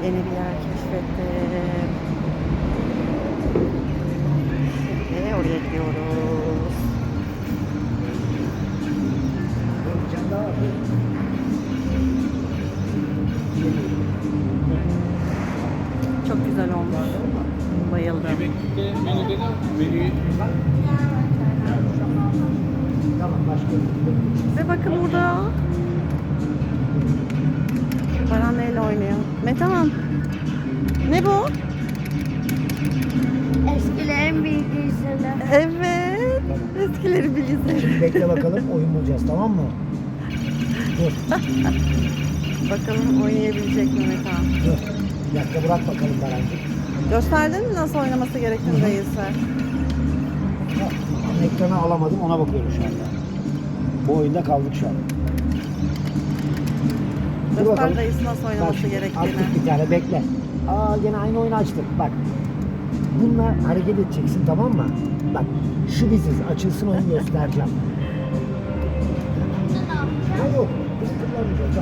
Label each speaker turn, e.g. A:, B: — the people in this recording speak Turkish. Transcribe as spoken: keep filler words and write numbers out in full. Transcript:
A: Yeni bir yer keşfettim. Şimdi oraya gidiyoruz. Çok güzel olmuş. Bayıldım.
B: Yemekte menüde de menüyü
A: Ve bakın burada Baran neyle oynuyor? Metehan, ne bu?
C: Eskilerin bilgisayarı.
A: Evet. Eskileri bilgisayar.
D: Bekle bakalım, oyun bulacağız, tamam mı? Dur,
A: Bakalım oynayabilecek mi Metehan?
D: dur. Bir dakika bırak bakalım Barancığım.
A: Gösterdin mi nasıl oynaması gerektiğini değilse?
D: Ekranı alamadım, ona bakıyorum şu anda. Bu oyunda kaldık şu an. Dur
A: Göster
D: bakalım.
A: dayısı nasıl oynaması
D: Bak,
A: gerektiğini.
D: Açtık bir tane, bekle. Aa, gene aynı oyunu açtık, bak. Bununla hareket edeceksin, tamam mı? Bak, şu biziz, açılsın oyun göstereceğim. Ha yok, biz kullanmayacağız.